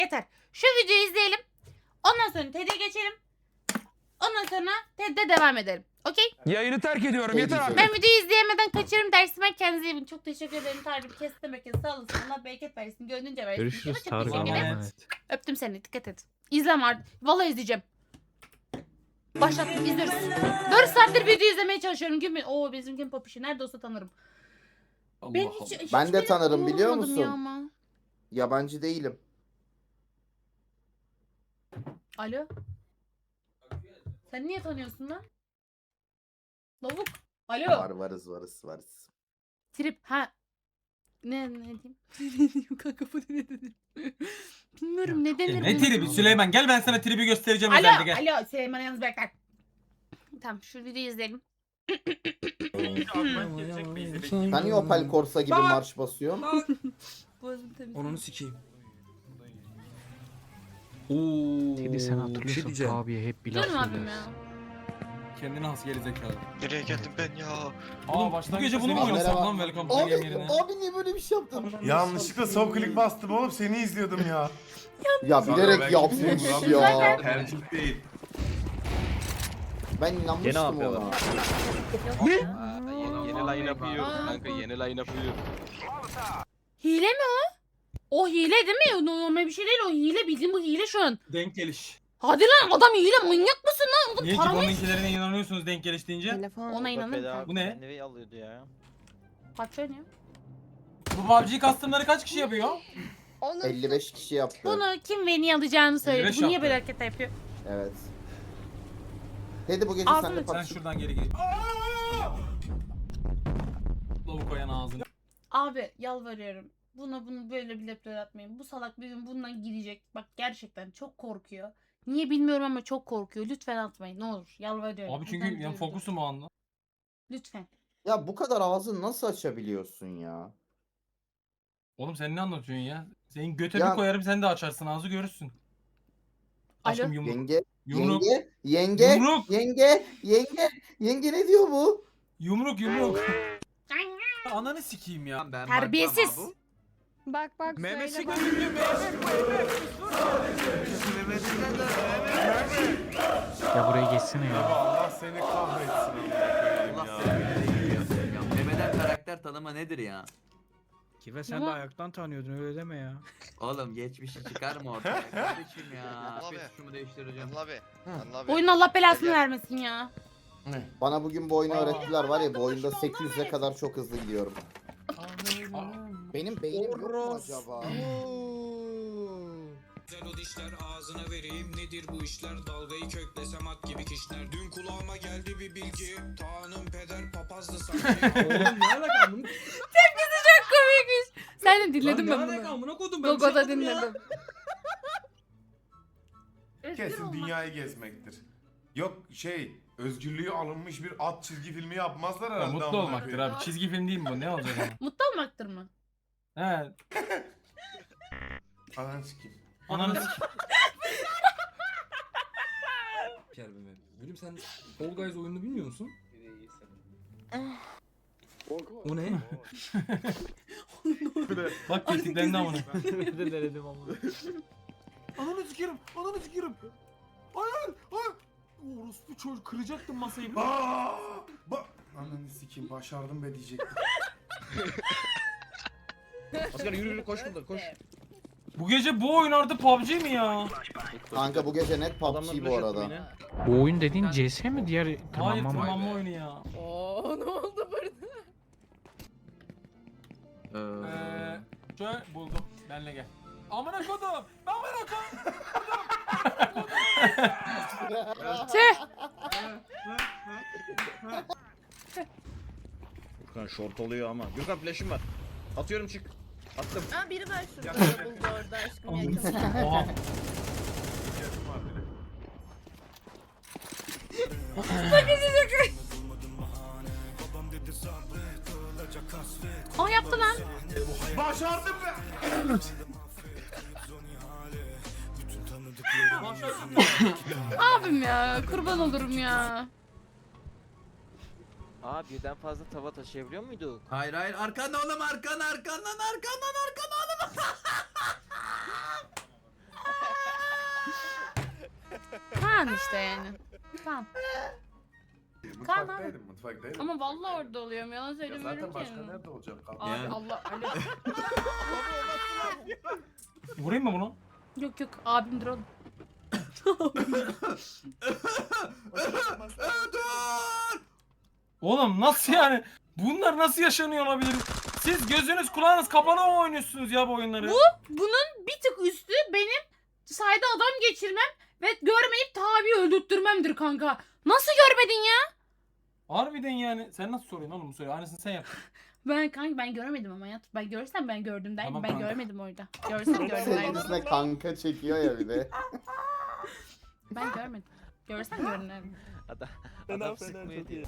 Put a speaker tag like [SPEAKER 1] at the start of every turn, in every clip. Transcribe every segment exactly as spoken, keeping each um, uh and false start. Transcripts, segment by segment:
[SPEAKER 1] Yeter. Şu videoyu izleyelim. Ondan sonra T D'ye geçelim. Ondan sonra T D'de devam edelim. Okey?
[SPEAKER 2] Yayını terk ediyorum.
[SPEAKER 3] Ne
[SPEAKER 2] Yeter artık.
[SPEAKER 1] Ben videoyu izleyemeden kaçırırım dersime. Kendinize iyi bakın. Çok teşekkür ederim. Tarık kestim herkese. Sağ olasın. Allah bereket versin. Gönlünce versin.
[SPEAKER 4] Görüşürüz
[SPEAKER 1] Çok
[SPEAKER 4] Tarık.
[SPEAKER 1] teşekkür ederim.
[SPEAKER 4] Evet.
[SPEAKER 1] Öptüm seni. Dikkat et. İzleme artık. Vallahi izleyeceğim. Başlattım. İzliyoruz. dört saattir video izlemeye çalışıyorum. Gün Oo bizim gün popişi. Nerede olsa tanırım. Ben hiç, hiç
[SPEAKER 3] Ben de
[SPEAKER 1] benim
[SPEAKER 3] tanırım, biliyor
[SPEAKER 1] olmadım
[SPEAKER 3] musun?
[SPEAKER 1] ya ama.
[SPEAKER 3] Yabancı değilim.
[SPEAKER 1] Alo. Sen niye tanıyorsun lan? Lavuk. Alo.
[SPEAKER 3] Var varız varız varız.
[SPEAKER 1] Trip. Ha. Ne ne diyeyim? Ne diyeyim kanka bu ne dedim? Bilmiyorum ne denir.
[SPEAKER 5] Ne
[SPEAKER 1] buna?
[SPEAKER 5] tribi Süleyman, gel ben sana tribi göstereceğim
[SPEAKER 1] Alo.
[SPEAKER 5] özelde, gel.
[SPEAKER 1] Alo. Süleyman'ı yalnız bırak lan. Tamam şu videoyu izleyelim.
[SPEAKER 3] Sen niye Opel Corsa gibi marş basıyorsun?
[SPEAKER 1] Boğazım temiz.
[SPEAKER 2] Onunu sikeyim.
[SPEAKER 4] Teddy sen hatırlıyorsun
[SPEAKER 2] diyeceğim.
[SPEAKER 4] abiye hep bir laf
[SPEAKER 1] Canım abim
[SPEAKER 4] söylersin.
[SPEAKER 1] ya.
[SPEAKER 5] Kendine has gerizekalı.
[SPEAKER 6] Nereye geldim ben ya?
[SPEAKER 5] Aa baştan bu gece bunu mu
[SPEAKER 3] Merhaba.
[SPEAKER 5] oynasak lan Welcome to the
[SPEAKER 3] Abi,
[SPEAKER 5] Game yerine?
[SPEAKER 3] abi niye böyle bir şey yaptın?
[SPEAKER 7] Yanlışlıkla sol klik bastım oğlum, seni izliyordum ya.
[SPEAKER 3] Ya bilerek yapmış ya.
[SPEAKER 7] Tercih değil.
[SPEAKER 3] Ben inanmıştım ona.
[SPEAKER 6] Yeni, yeni line up'ı yiyoruz kanka, yeni line up'ı yiyoruz.
[SPEAKER 1] Hile mi o? O hile değil mi? Normal bir şey değil o hile. Bildiğin bu hile şu an.
[SPEAKER 5] Denk geliş.
[SPEAKER 1] Hadi lan adam hile manyak mısın lan? Adam
[SPEAKER 5] Niye ki
[SPEAKER 1] paralı.
[SPEAKER 5] bununkilerine inanıyorsunuz denk geliş deyince?
[SPEAKER 1] Ona inanırım.
[SPEAKER 5] Bu ne?
[SPEAKER 6] Neyi alıyordu ya?
[SPEAKER 1] Patron ya.
[SPEAKER 5] Bu P U B G custom'ları kaç kişi yapıyor?
[SPEAKER 3] elli beş kişi yaptı.
[SPEAKER 1] Bunu kim ve niye alacağını söyledi.
[SPEAKER 5] elli beş
[SPEAKER 1] Bu niye
[SPEAKER 5] yaptı.
[SPEAKER 1] böyle hareket yapıyor?
[SPEAKER 3] Evet. Teddy bu gece
[SPEAKER 1] Ağzını
[SPEAKER 3] sen de
[SPEAKER 1] aç.
[SPEAKER 5] Sen
[SPEAKER 3] pat.
[SPEAKER 5] şuradan geri gel. Lavuk koyan ağzını.
[SPEAKER 1] Abi yalvarıyorum. Buna bunu böyle bir lepler atmayın. Bu salak bir gün bundan gidecek. Bak gerçekten çok korkuyor. Niye bilmiyorum ama çok korkuyor. Lütfen atmayın ne olur. Yalvarıyorum.
[SPEAKER 5] Abi çünkü
[SPEAKER 1] Buradan
[SPEAKER 5] yani
[SPEAKER 1] diyorum.
[SPEAKER 5] fokusum o anda.
[SPEAKER 1] Lütfen.
[SPEAKER 3] Ya bu kadar ağzını nasıl açabiliyorsun ya?
[SPEAKER 5] Oğlum sen ne anlatıyorsun ya? Senin göte
[SPEAKER 3] Ya-
[SPEAKER 5] bir koyarım sen de açarsın ağzı görürsün. Aşkım
[SPEAKER 1] Alo?
[SPEAKER 5] yumruk.
[SPEAKER 3] Yenge,
[SPEAKER 5] Yumruk.
[SPEAKER 3] yenge, yenge,
[SPEAKER 5] Yumruk.
[SPEAKER 3] yenge, yenge, yenge ne diyor bu?
[SPEAKER 5] Yumruk yumruk. Ananı sikeyim ya.
[SPEAKER 1] Terbiyesiz.
[SPEAKER 8] Bak bak
[SPEAKER 2] Mehmet
[SPEAKER 8] söyle
[SPEAKER 2] Şeker
[SPEAKER 8] bak.
[SPEAKER 2] gidiyor
[SPEAKER 4] Ya buraya geçsene ya.
[SPEAKER 7] Allah seni kahretsin.
[SPEAKER 9] Allah
[SPEAKER 7] Allah
[SPEAKER 9] seni ya. Mehmet'en karakter tanıma nedir ya?
[SPEAKER 4] Kive sen
[SPEAKER 1] Ama-
[SPEAKER 4] de ayaktan tanıyordun öyle deme ya.
[SPEAKER 9] Oğlum geçmişi çıkar mı ortaya kardeşim ya?
[SPEAKER 6] Abi.
[SPEAKER 9] Bir şunu değiştireceğim.
[SPEAKER 6] Anıl abi. Anıl abi.
[SPEAKER 1] Oyun Allah belasını
[SPEAKER 6] Gel.
[SPEAKER 1] vermesin ya.
[SPEAKER 3] Bana bugün bu oyunu öğrettiler var ya, bu oyunda sekiz yüze kadar çok hızlı gidiyorum. Benim beynim yok mu acaba?
[SPEAKER 10] Güzel o dişler ağzına vereyim nedir bu işler dalgayı köklesem at gibi kişner dün kulağıma geldi bir bilgi Tanrım peder papazdı sanki.
[SPEAKER 2] Oğlum ne alaka bunu?
[SPEAKER 1] Komikmiş. Sen de dinledin
[SPEAKER 2] Lan
[SPEAKER 1] ben
[SPEAKER 2] ne alaka
[SPEAKER 1] bunu.
[SPEAKER 2] amına kodum ben bir şey
[SPEAKER 1] Gogo'da
[SPEAKER 2] yapmadım ya.
[SPEAKER 1] dinledim.
[SPEAKER 7] Kesin dünyayı gezmektir. Yok şey, özgürlüğü alınmış bir at çizgi filmi yapmazlar
[SPEAKER 5] Ya
[SPEAKER 7] herhalde.
[SPEAKER 5] mutlu
[SPEAKER 7] amına
[SPEAKER 5] olmaktır
[SPEAKER 7] koyayım.
[SPEAKER 5] abi. Çizgi film değil mi bu? Ne olacak ama?
[SPEAKER 1] Mutlu olmaktır mı?
[SPEAKER 5] He.
[SPEAKER 7] Ananı sikeyim.
[SPEAKER 5] Ananı sikeyim.
[SPEAKER 2] Kerbeme. Gülüm sen Fall Guys oyununu bilmiyor musun? O ne?
[SPEAKER 5] Bak tetiklendi amına.
[SPEAKER 4] Denedim ama.
[SPEAKER 5] Ananı sikerim. Ananı sikerim. Hayır. Hayır. Orospu çocuk kıracaktım masayı.
[SPEAKER 7] Aa! Ba Ananı sikeyim, başardım be diyecektim.
[SPEAKER 2] Asker yürü yürü koş burada koş.
[SPEAKER 5] Bu gece bu oyun artık P U B G mi ya?
[SPEAKER 3] Kanka bu gece net P U B G bu arada.
[SPEAKER 4] Bu oyun dediğin C S mi diğer
[SPEAKER 5] Hayır
[SPEAKER 4] tırmanma mı?
[SPEAKER 5] tırmanma oyunu ya.
[SPEAKER 8] Oo ne oldu burada?
[SPEAKER 5] Eee şöyle buldum. Benle gel. Amına kodum. Amına kodum.
[SPEAKER 1] Tüh.
[SPEAKER 11] Gürkan short oluyor ama. Gürkan flash'im var. Atıyorum çık. Attım.
[SPEAKER 8] Ha biri var şurada buldu orada aşkım yakın.
[SPEAKER 5] Oha.
[SPEAKER 1] O yaptı lan.
[SPEAKER 7] Başardım be!
[SPEAKER 1] Abim ya kurban olurum ya.
[SPEAKER 6] Aa birden fazla tava taşıyabiliyor muyduk?
[SPEAKER 9] Hayır hayır arkana oğlum arkana arkandan arkandan arkana oğlum.
[SPEAKER 1] Kaan işte yani. Kaan.
[SPEAKER 7] Mutfaktaydım mutfaktaydım.
[SPEAKER 1] Ama vallahi orada oluyorum. Yalan
[SPEAKER 7] Ya
[SPEAKER 1] söylemiyorum
[SPEAKER 7] zaten
[SPEAKER 1] ki.
[SPEAKER 7] başka nerede olacak?
[SPEAKER 1] Abi
[SPEAKER 9] Yani.
[SPEAKER 1] Allah alo.
[SPEAKER 5] Vurayım mı bunu?
[SPEAKER 1] Yok yok abimdir oğlum.
[SPEAKER 5] Oğlum nasıl yani? Bunlar nasıl yaşanıyor olabilir? Siz gözünüz kulağınız kapalı mı oynuyorsunuz ya bu oyunları?
[SPEAKER 1] Bu bunun bir tık üstü benim sayda adam geçirmem ve görmeyip tabi öldürtmemdir kanka. Nasıl görmedin ya?
[SPEAKER 5] Harbiden yani. Sen nasıl soruyorsun oğlum bu soruyu? Aynısını sen yap.
[SPEAKER 1] Ben kanka ben göremedim ama ya. Ben görsem ben gördüm der.
[SPEAKER 5] Tamam
[SPEAKER 1] ben
[SPEAKER 5] kanka.
[SPEAKER 1] görmedim orada. Görsem gördüm derdim.
[SPEAKER 3] Sevgilisine kanka çekiyor ya bir de.
[SPEAKER 1] Ben görmedim. Görsem gördüm derdim.
[SPEAKER 6] Adam, adam sıkmıyor diye.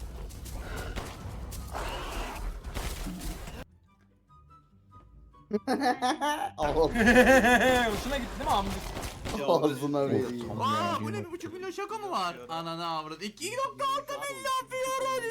[SPEAKER 3] Al
[SPEAKER 5] Hoşuna gitti değil mi amcık?
[SPEAKER 3] ağzına vereyim.
[SPEAKER 9] Aa bu ne bir buçuk milyon şaka mı var? Ananı avradı. iki nokta altı milyon fiyor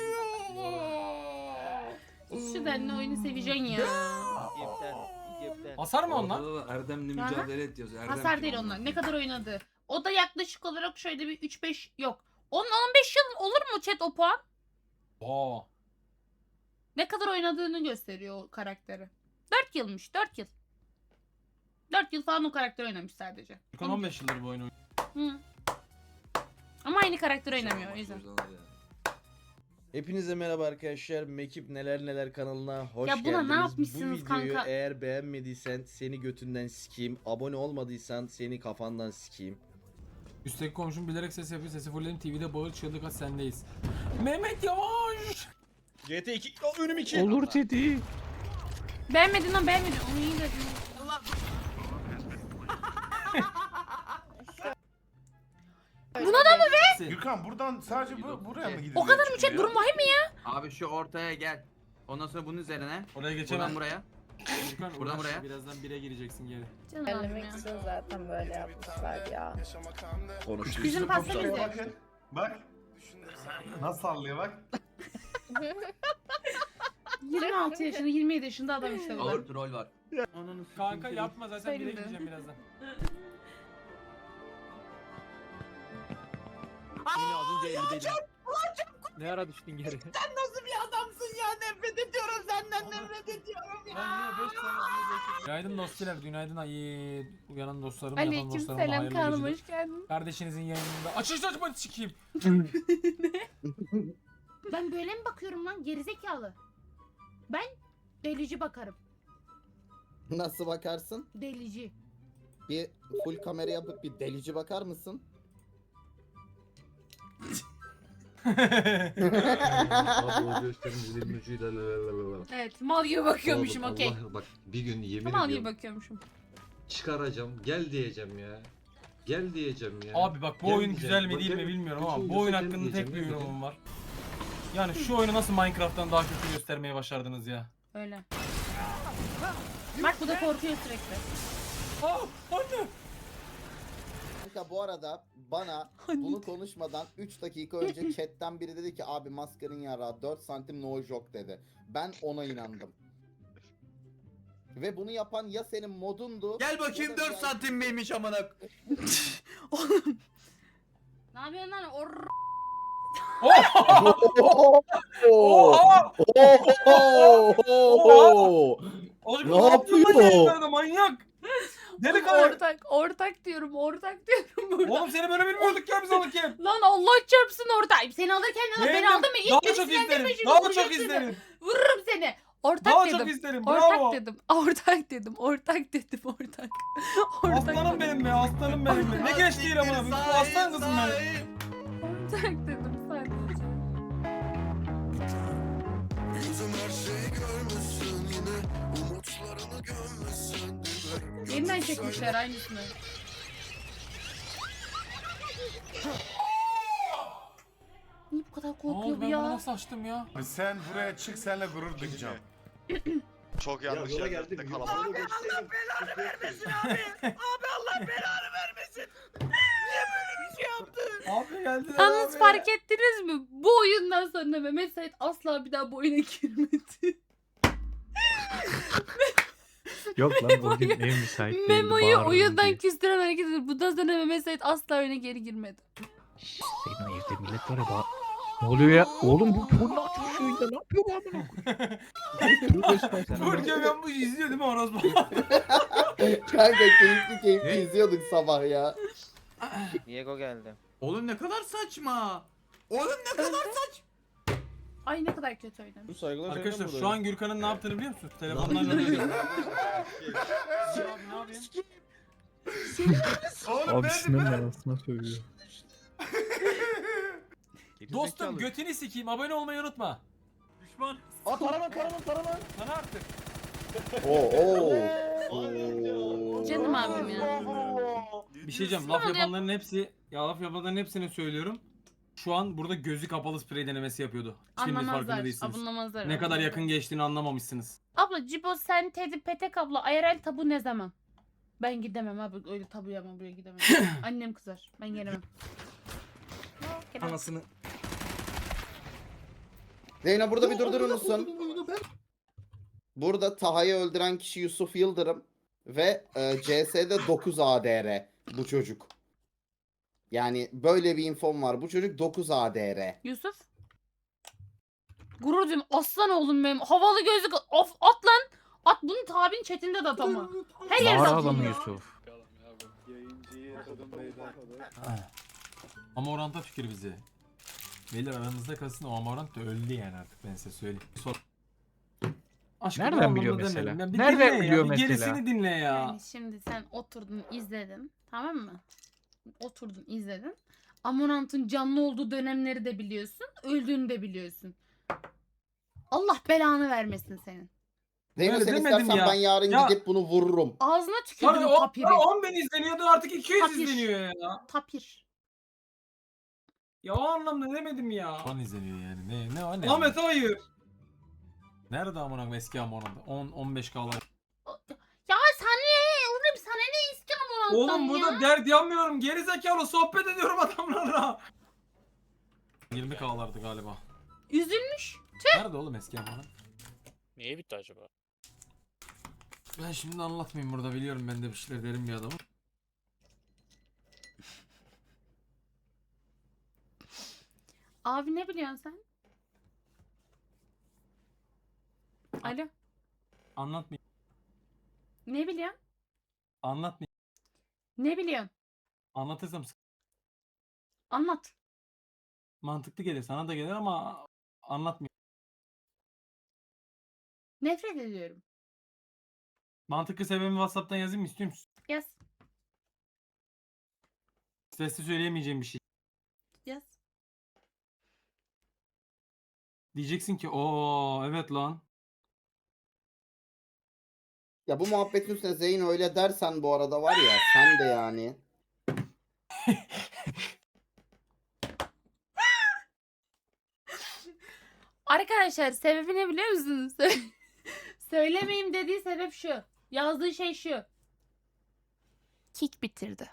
[SPEAKER 1] Şu denli oyunu seveceksin ya.
[SPEAKER 6] Gepten, gepten.
[SPEAKER 5] Hasar mı onlar?
[SPEAKER 2] Orada da Erdem'le
[SPEAKER 1] Aha.
[SPEAKER 2] mücadele et yazıyor. Erdem
[SPEAKER 1] Hasar
[SPEAKER 2] kim
[SPEAKER 1] değil
[SPEAKER 2] ama?
[SPEAKER 1] onlar. Ne kadar oynadı. O da yaklaşık olarak şöyle bir üç beş yok. on on beş yıl olur mu chat o puan?
[SPEAKER 5] Aa.
[SPEAKER 1] Ne kadar oynadığını gösteriyor o karakteri. dört yılmış dört yıl. dört yıl falan o karakter oynamış sadece.
[SPEAKER 5] Furkan on beş yıldır bu oyunu oynuyor.
[SPEAKER 1] Hı. Ama aynı karakter oynamıyor o yüzden.
[SPEAKER 11] Hepinize merhaba arkadaşlar. Mekip Neler Neler kanalına hoş
[SPEAKER 1] Ya buna
[SPEAKER 11] geldiniz.
[SPEAKER 1] ne yapmışsınız
[SPEAKER 11] Bu videoyu
[SPEAKER 1] kanka?
[SPEAKER 11] eğer beğenmediysen seni götünden sikeyim. Abone olmadıysan seni kafandan sikeyim.
[SPEAKER 5] Üstteki komşum bilerek ses yapıyor. Sesi fullledim. T V'de bağır çığlık at sendeyiz. Mehmet Yavaş.
[SPEAKER 11] G T iki o, önüm iki.
[SPEAKER 4] Olur dedi.
[SPEAKER 1] Beğenmedin lan beğenmedin. Onu iyi dedin. Buna da mı be?
[SPEAKER 7] Gürkan buradan sadece bu, buraya mı gideceğiz?
[SPEAKER 1] O kadar mı
[SPEAKER 7] şimdi
[SPEAKER 1] chat
[SPEAKER 7] ya?
[SPEAKER 1] durum vahim mi ya?
[SPEAKER 9] Abi şu ortaya gel. Ondan sonra bunun üzerine.
[SPEAKER 5] Oraya
[SPEAKER 9] Buradan
[SPEAKER 5] geçemem.
[SPEAKER 9] buraya.
[SPEAKER 5] Furkan,
[SPEAKER 9] Buradan
[SPEAKER 5] uğraş.
[SPEAKER 9] buraya.
[SPEAKER 5] Birazdan bire gireceksin geri.
[SPEAKER 1] Canım abim ya.
[SPEAKER 8] zaten böyle yapmışlar ya.
[SPEAKER 11] Konuştuk.
[SPEAKER 1] Bizim pasta
[SPEAKER 7] Bak,
[SPEAKER 1] bize.
[SPEAKER 7] bakın, Bak. Nasıl sallıyor bak.
[SPEAKER 1] yirmi altı yaşında yirmi yedi yaşında adam işte bu.
[SPEAKER 9] Ağır troll var. Ananı
[SPEAKER 5] Kanka
[SPEAKER 9] sikeyim
[SPEAKER 5] yapma zaten bire
[SPEAKER 1] Senin de.
[SPEAKER 5] gireceğim birazdan.
[SPEAKER 4] Yine az önce elli Ne ara düştün geri?
[SPEAKER 9] nasıl bir adamsın ya? Nefret ediyorum senden nefret ediyorum ya.
[SPEAKER 5] Ben yine beş tane Günaydın dostlar, günaydın ayı. Uyanan dostlarım, yatan
[SPEAKER 1] Aleyküm
[SPEAKER 5] dostlarım
[SPEAKER 1] selam
[SPEAKER 5] hayırlı
[SPEAKER 1] kanım
[SPEAKER 5] geceler.
[SPEAKER 1] hoş geldin.
[SPEAKER 5] Kardeşinizin yayınında. Açış açma sikeyim.
[SPEAKER 1] Ben böyle mi bakıyorum lan gerizekalı? Ben delici bakarım.
[SPEAKER 3] Nasıl bakarsın?
[SPEAKER 1] Delici.
[SPEAKER 3] Bir full kamera yapıp bir delici bakar mısın?
[SPEAKER 1] Evet mal gibi bakıyormuşum okey.
[SPEAKER 12] Bak bir gün yemin
[SPEAKER 1] Mal gibi
[SPEAKER 12] ediyorum
[SPEAKER 1] bakıyormuşum.
[SPEAKER 12] çıkaracağım gel diyeceğim ya. Gel diyeceğim ya.
[SPEAKER 5] Abi bak bu
[SPEAKER 12] Gel
[SPEAKER 5] oyun
[SPEAKER 12] diyeceğim.
[SPEAKER 5] güzel mi
[SPEAKER 12] Bak
[SPEAKER 5] değil mi
[SPEAKER 12] gel-
[SPEAKER 5] bilmiyorum
[SPEAKER 12] bütün
[SPEAKER 5] ama bu
[SPEAKER 12] videosu
[SPEAKER 5] oyun
[SPEAKER 12] gel
[SPEAKER 5] hakkında tek
[SPEAKER 12] diyeceğim,
[SPEAKER 5] bir
[SPEAKER 12] ne
[SPEAKER 5] yorumum
[SPEAKER 12] diyeceğim?
[SPEAKER 5] var. Yani şu oyunu nasıl Minecraft'tan daha kötü göstermeye başardınız ya?
[SPEAKER 1] Öyle. Bak bu da korkuyor sürekli.
[SPEAKER 5] Aa anne!
[SPEAKER 3] Kanka bu arada bana bunu konuşmadan üç dakika önce chatten biri dedi ki abi maskarın yarağı dört santim no joke dedi. Ben ona inandım. Ve bunu yapan ya senin modundu.
[SPEAKER 9] Gel bakayım
[SPEAKER 3] ya da
[SPEAKER 9] dört
[SPEAKER 3] yani-
[SPEAKER 9] santim miymiş amına.
[SPEAKER 1] Ne yapıyorsun lan? Or
[SPEAKER 5] Oha! Oğlum
[SPEAKER 3] Ne
[SPEAKER 5] ne yapıyorsun lan
[SPEAKER 3] yapıyor?
[SPEAKER 5] yayınlarda manyak? Deli karı.
[SPEAKER 1] ortak ortak diyorum ortak diyorum burada.
[SPEAKER 5] Oğlum seni böyle bilmiyorduk ya biz alırken.
[SPEAKER 1] Lan Allah çarpsın ortak. Seni alırken ne lan? Beni
[SPEAKER 5] Beğendim.
[SPEAKER 1] aldın mı? İlk
[SPEAKER 5] Daha
[SPEAKER 1] gün
[SPEAKER 5] çok
[SPEAKER 1] sinirlendirme
[SPEAKER 5] isterim.
[SPEAKER 1] şimdi,
[SPEAKER 5] Daha
[SPEAKER 1] vuracağım
[SPEAKER 5] çok
[SPEAKER 1] seni.
[SPEAKER 5] isterim.
[SPEAKER 1] Vururum seni. Ortak
[SPEAKER 5] Daha
[SPEAKER 1] dedim.
[SPEAKER 5] çok isterim.
[SPEAKER 1] Ortak
[SPEAKER 5] Bravo.
[SPEAKER 1] dedim. Ortak dedim. Ortak dedim. Ortak. Ortak
[SPEAKER 5] Aslanım
[SPEAKER 1] dedim.
[SPEAKER 5] benim be, aslanım benim be. Ne geç değil ama bu aslan kızım benim.
[SPEAKER 1] Ortak dedim sadece. Yeniden çekmişler aynısını. Niye bu kadar
[SPEAKER 5] Ne
[SPEAKER 1] korkuyor
[SPEAKER 5] oldu
[SPEAKER 1] bu
[SPEAKER 5] ben bunu
[SPEAKER 1] ya?
[SPEAKER 5] nasıl açtım ya?
[SPEAKER 7] Abi sen buraya çık seninle gurur duyacağım.
[SPEAKER 6] Çok
[SPEAKER 12] Ya yola geldim. Abi Allah belanı vermesin abi.
[SPEAKER 5] Abi geldiler
[SPEAKER 1] Yalnız
[SPEAKER 5] abi.
[SPEAKER 1] fark ettiniz mi? Bu oyundan sonra Mehmet Sait asla bir daha bu oyuna girmedi.
[SPEAKER 4] Yok lan bugün ev müsait değildi.
[SPEAKER 1] Memo'yu
[SPEAKER 4] bağırdım
[SPEAKER 1] oyundan
[SPEAKER 4] diye.
[SPEAKER 1] küstüren hareket ediyor. Bundan sonra Mehmet Sait asla oyuna geri girmedi.
[SPEAKER 4] Senin evde millet var ya bak. Ne oluyor ya? Oğlum bu bu ne yapıyor şu oyunda? Ne yapıyor bu amına koyayım?
[SPEAKER 5] Burcu ben bu işi izliyor değil mi orospu?
[SPEAKER 3] Kanka keyifli keyifli
[SPEAKER 11] Ne?
[SPEAKER 3] izliyorduk sabah ya.
[SPEAKER 6] Diego geldi.
[SPEAKER 9] Oğlum ne kadar saçma. Oğlum ne kadar saçma.
[SPEAKER 1] Ay ne kadar kötü oynamış.
[SPEAKER 11] Bu saygılar
[SPEAKER 5] Arkadaşlar şu an Gürkan'ın ne yaptığını biliyor musunuz? Telefondan arıyor.
[SPEAKER 7] Oğlum ben de
[SPEAKER 4] arasına söylüyor.
[SPEAKER 5] Dostum götünü sikeyim. Abone olmayı unutma.
[SPEAKER 4] Düşman.
[SPEAKER 11] Aa taraman taraman taraman.
[SPEAKER 5] Sana artık.
[SPEAKER 3] Oo oo.
[SPEAKER 1] Canım abim ya.
[SPEAKER 5] Bir şey diyeceğim. Laf yapanların hepsi, ya laf yapanların hepsine söylüyorum. Şu an burada gözü kapalı sprey denemesi yapıyordu. Şimdi farkında
[SPEAKER 1] Anlamazlar.
[SPEAKER 5] değilsiniz.
[SPEAKER 1] Anlamazlar.
[SPEAKER 5] Ne kadar yakın geçtiğini anlamamışsınız.
[SPEAKER 1] Abla Cibo sen Teddy Petek abla I R L tabu ne zaman? Ben gidemem abi öyle tabu yapmam buraya gidemem. Annem kızar. Ben gelemem.
[SPEAKER 2] Anasını.
[SPEAKER 3] Zeyno burada bir durdurur musun? Burada Taha'yı öldüren kişi Yusuf Yıldırım ve e, C S'de dokuz A D R bu çocuk. Yani böyle bir infom var. Bu çocuk dokuz A D R.
[SPEAKER 1] Yusuf. Gurur duyuyorum. Aslan oğlum benim. Havalı gözlük. Of at lan. At bunu tabin chatinde de at ama. Her yerde
[SPEAKER 4] Mağara
[SPEAKER 1] at bunu.
[SPEAKER 4] adamı Yusuf.
[SPEAKER 5] Amorant'a fikir bizi. Beyler aranızda kalsın, o Amorant da öldü yani artık, ben size söyleyeyim. Sor. Aşkım,
[SPEAKER 4] Nereden
[SPEAKER 5] anlamda
[SPEAKER 4] biliyor
[SPEAKER 5] demedim.
[SPEAKER 4] mesela?
[SPEAKER 5] Ya bir
[SPEAKER 4] Nereden
[SPEAKER 5] dinle ya,
[SPEAKER 4] biliyor
[SPEAKER 5] bir
[SPEAKER 4] mesela?
[SPEAKER 5] Gerisini dinle ya.
[SPEAKER 1] Yani şimdi sen oturdun izledin. Tamam mı? Oturdun izledin. Amorant'ın canlı olduğu dönemleri de biliyorsun. Öldüğünü de biliyorsun. Allah belanı vermesin senin.
[SPEAKER 3] Zeyno
[SPEAKER 5] Öyle
[SPEAKER 3] sen
[SPEAKER 5] demedim
[SPEAKER 3] istersen
[SPEAKER 5] ya.
[SPEAKER 3] ben yarın
[SPEAKER 5] Ya-
[SPEAKER 3] gidip bunu vururum.
[SPEAKER 1] Ağzına
[SPEAKER 5] Abi
[SPEAKER 1] tükürdün
[SPEAKER 5] o
[SPEAKER 1] tapiri.
[SPEAKER 5] on bin izleniyordu, artık iki yüz
[SPEAKER 1] Tapir.
[SPEAKER 5] izleniyor ya.
[SPEAKER 1] Tapir.
[SPEAKER 5] Ya o anlamda demedim ya. on izleniyor yani. Ne ne o ne? Ahmet hayır. Nerede amına eski Amorant? on on beş K'lar.
[SPEAKER 1] Ya sen ne? Oğlum sana ne iski Amorant'tan
[SPEAKER 5] Oğlum burada
[SPEAKER 1] ya?
[SPEAKER 5] dert yanmıyorum. Geri zekalı sohbet ediyorum adamlarla. yirmi K'lardı galiba.
[SPEAKER 1] Üzülmüş.
[SPEAKER 5] Nerede oğlum eski Amorant?
[SPEAKER 4] Niye bitti acaba?
[SPEAKER 5] Ben şimdi anlatmayayım burada, biliyorum ben de bir şeyler derim bir adamım.
[SPEAKER 1] Abi ne biliyorsun sen? Alo.
[SPEAKER 5] Anlatmayayım.
[SPEAKER 1] Ne biliyorsun?
[SPEAKER 5] Anlatmayayım.
[SPEAKER 1] Ne biliyorsun?
[SPEAKER 5] Anlatırsam sık-
[SPEAKER 1] Anlat.
[SPEAKER 5] mantıklı gelir, sana da gelir ama anlatmayayım.
[SPEAKER 1] Nefret ediyorum.
[SPEAKER 5] Mantıklı sebebimi WhatsApp'tan yazayım mı, istiyor musun?
[SPEAKER 1] Yaz.
[SPEAKER 5] Sesli söyleyemeyeceğim bir şey.
[SPEAKER 1] Yaz.
[SPEAKER 5] Diyeceksin ki ooo evet lan.
[SPEAKER 3] Ya bu muhabbetin üstüne Zeyno öyle dersen bu arada var ya sen de yani.
[SPEAKER 1] Arkadaşlar sebebi ne biliyor musunuz? Sö- Söylemeyeyim dediği sebep şu. Yazdığı şey şu. Kick bitirdi.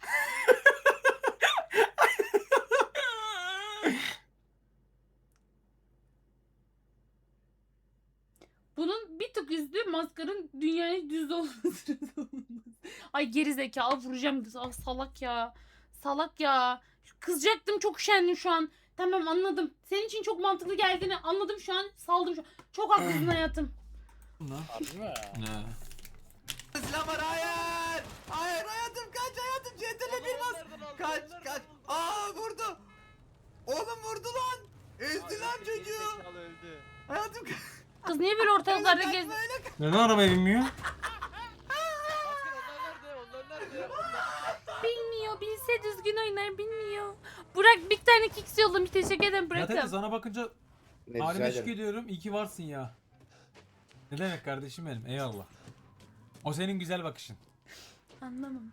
[SPEAKER 1] Bunun bir tık üstü maskarın dünyaya düz olması. Ay geri zekalı vuracağım. Ah, salak ya. Salak ya. Kızacaktım, çok üşendim şu an. Tamam anladım. Senin için çok mantıklı geldiğini anladım şu an. Saldım şu an. Çok haklısın hayatım.
[SPEAKER 5] Ne?
[SPEAKER 4] Harbi mi?
[SPEAKER 5] Ne?
[SPEAKER 9] Silah var, hayır. Hayır hayatım, kaç hayatım, C T L bir bas. Kaç kaç. Aa vurdu. Oğlum vurdu lan. Ezdi lan çocuğu.
[SPEAKER 6] öldü.
[SPEAKER 9] Hayatım
[SPEAKER 1] Kız niye böyle ortalıklarda
[SPEAKER 9] kaçma,
[SPEAKER 1] gez...
[SPEAKER 9] öyle kaç.
[SPEAKER 5] Neden arabaya binmiyor?
[SPEAKER 1] Bilmiyor. Bilse düzgün oynar. Bilmiyor. Burak bir tane kicks yollamış. Teşekkür ederim
[SPEAKER 5] Ya Tete,
[SPEAKER 1] Burak'ım.
[SPEAKER 5] sana bakınca
[SPEAKER 3] Ne rica
[SPEAKER 5] halime şükür
[SPEAKER 3] ederim.
[SPEAKER 5] ediyorum. İyi ki varsın ya. Ne demek kardeşim benim, eyvallah. O senin güzel bakışın.
[SPEAKER 1] Anlamamış.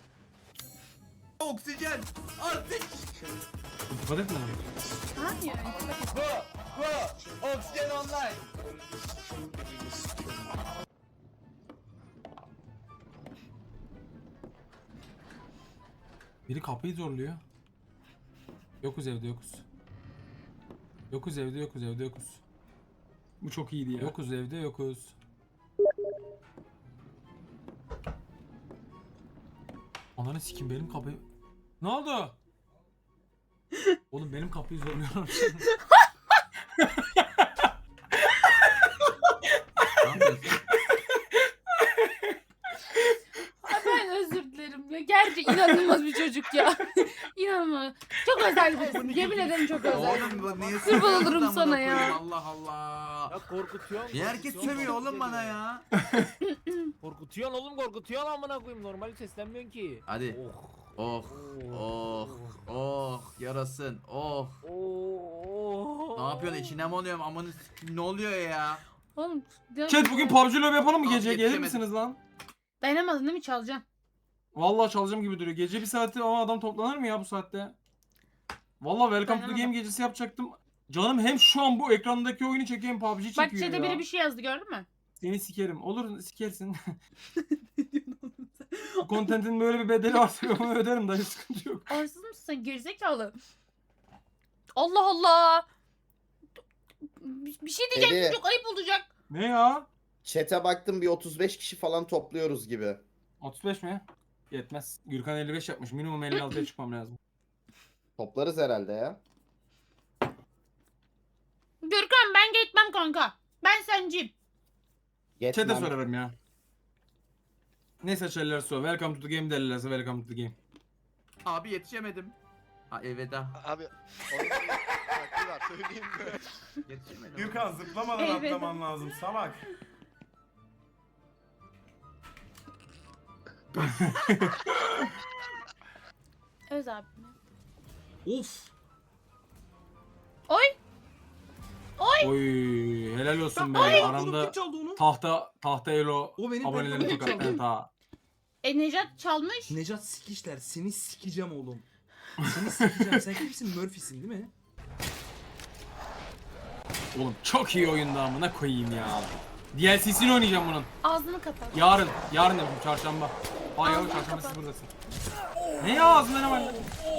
[SPEAKER 9] Oksijen. Artık.
[SPEAKER 5] Dikkat etme lan.
[SPEAKER 1] Hayır.
[SPEAKER 9] Bu. Bu. Oksijen online.
[SPEAKER 5] Biri kapıyı zorluyor. Yokuz evde yokuz. Yokuz evde yokuz evde yokuz.
[SPEAKER 4] Bu çok iyiydi ya.
[SPEAKER 5] Yokuz evde yokuz. Ananı sikim benim kapıyı. Ne oldu? Oğlum benim kapıyı zorluyorum.
[SPEAKER 12] Ne yapıyorsun?
[SPEAKER 1] Ben özür dilerim ya. Gerçi inanılmaz bir çocuk ya. İnanılmaz. Çok özel birisin. Yemin ederim çok özel.
[SPEAKER 9] Oğlum bu niye
[SPEAKER 1] Kurban olurum
[SPEAKER 9] sövüyorsun
[SPEAKER 1] sana
[SPEAKER 9] amına
[SPEAKER 1] ya.
[SPEAKER 9] koyayım? Allah Allah.
[SPEAKER 4] Ya korkutuyor.
[SPEAKER 9] Niye herkes sövüyor oğlum bana ya?
[SPEAKER 4] Korkutuyorsun oğlum korkutuyorsun amına koyayım. Normal seslenmiyorsun ki.
[SPEAKER 9] Hadi.
[SPEAKER 4] Oh.
[SPEAKER 9] Oh. Oh. Oh. Yarasın. Oh.
[SPEAKER 4] Oh.
[SPEAKER 9] Ne yapıyorsun? İçine mi oluyorum? Amanı s- ne oluyor ya?
[SPEAKER 1] Oğlum.
[SPEAKER 5] Chat bugün P U B G Lobby yapalım mı
[SPEAKER 9] Abi,
[SPEAKER 5] gece? Gelir
[SPEAKER 9] yetişemedim.
[SPEAKER 5] misiniz lan?
[SPEAKER 1] Dayanamadın değil mi? Çalacaksın.
[SPEAKER 5] Vallahi çalacağım gibi duruyor. Gece bir saati ama adam toplanır mı ya bu saatte? Vallahi Welcome to the
[SPEAKER 1] Dayanamadım.
[SPEAKER 5] Game gecesi yapacaktım. Canım hem şu an bu ekrandaki oyunu çekeyim P U B G
[SPEAKER 1] Bak
[SPEAKER 5] çekiyor
[SPEAKER 1] chat'e
[SPEAKER 5] ya.
[SPEAKER 1] biri bir şey yazdı gördün mü?
[SPEAKER 5] Seni sikerim. Olur sikersin. Bu contentin böyle bir bedeli varsa onu öderim dayı sıkıntı yok.
[SPEAKER 1] Arsız mısın sen gerizekalı? Allah Allah. Bir bir şey diyeceğim
[SPEAKER 3] Dedi.
[SPEAKER 1] çocuk ayıp olacak.
[SPEAKER 5] Ne ya?
[SPEAKER 3] Chat'e baktım bir otuz beş kişi falan topluyoruz gibi.
[SPEAKER 5] otuz beş mi? Yetmez. Gürkan elli beş yapmış. Minimum elli altıya çıkmam lazım.
[SPEAKER 3] Toplarız herhalde ya.
[SPEAKER 1] Gürkan ben gitmem kanka. Ben senciyim.
[SPEAKER 3] Geçmem.
[SPEAKER 5] Chat'e sorarım ya. Ne seçerlerse o. Welcome to the game derlerse welcome to the game.
[SPEAKER 9] Abi yetişemedim. Ha elveda.
[SPEAKER 6] Abi onun bir var söyleyeyim mi?
[SPEAKER 9] Yetişemedim.
[SPEAKER 7] Gürkan zıplamadan
[SPEAKER 1] Evet.
[SPEAKER 7] atlaman lazım salak.
[SPEAKER 1] Öz abi.
[SPEAKER 5] Of.
[SPEAKER 1] Oy.
[SPEAKER 5] Oy helal olsun be. Aramda tahta tahta elo
[SPEAKER 2] O benim
[SPEAKER 5] abonelerini
[SPEAKER 2] telefonum
[SPEAKER 5] tokatlayan
[SPEAKER 2] çaldı.
[SPEAKER 5] ta.
[SPEAKER 1] E Necat çalmış.
[SPEAKER 2] Necat sikişler seni sikeceğim oğlum. Seni sikeceğim. Sen kimsin? Murphy'sin değil mi?
[SPEAKER 5] Oğlum çok iyi oyunda amına koyayım ya. D L C'sini oynayacağım bunun.
[SPEAKER 1] Ağzını kapat.
[SPEAKER 5] Yarın. Yarın yapayım çarşamba. Hayır
[SPEAKER 1] Ağzını
[SPEAKER 5] çarşamba
[SPEAKER 1] kapat.
[SPEAKER 5] siz buradasın. Ne ya ağzında ne var?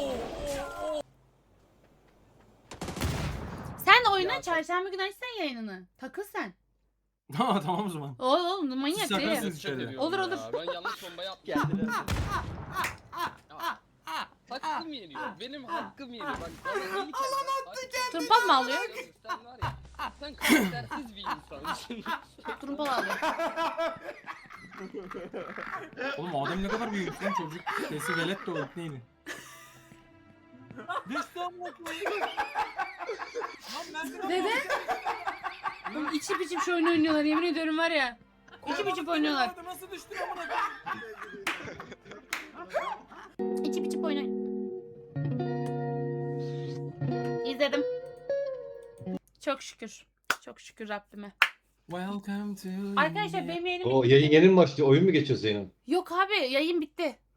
[SPEAKER 1] Sen oyuna çarşamba günü açsan yayınını. Takıl sen.
[SPEAKER 5] Ha tamam o zaman.
[SPEAKER 1] Oğlum manyak
[SPEAKER 5] Siz
[SPEAKER 1] değil.
[SPEAKER 5] sakarsınız içeride.
[SPEAKER 1] Olur olur.
[SPEAKER 6] Ben yanlış bomba yaptım. Hakkım yeniyor. Benim hakkım yeniyor. Bak bana iyilik yapma.
[SPEAKER 1] Turpal mı alıyor?
[SPEAKER 6] Sen var ya. Sen karaktersiz bir insansın.
[SPEAKER 1] Turpal alıyor.
[SPEAKER 5] Oğlum o adam ne kadar büyük lan çocuk. Sesi velet de o neydi? Düştü amına koyayım.
[SPEAKER 1] Dede. Oğlum içip içip şu oyunu oynuyorlar yemin ediyorum var ya. İçip içip oynuyorlar.
[SPEAKER 5] Nasıl düştün amına koyayım?
[SPEAKER 1] İçip içip oynayın. İzledim. Çok şükür. Çok şükür Rabbime.
[SPEAKER 5] Welcome to
[SPEAKER 1] Arkadaşlar benim yayınım
[SPEAKER 12] O
[SPEAKER 1] bitti.
[SPEAKER 12] yayın yeni mi başlıyor? Oyun mu geçiyor Zeynep?
[SPEAKER 1] Yok abi yayın bitti.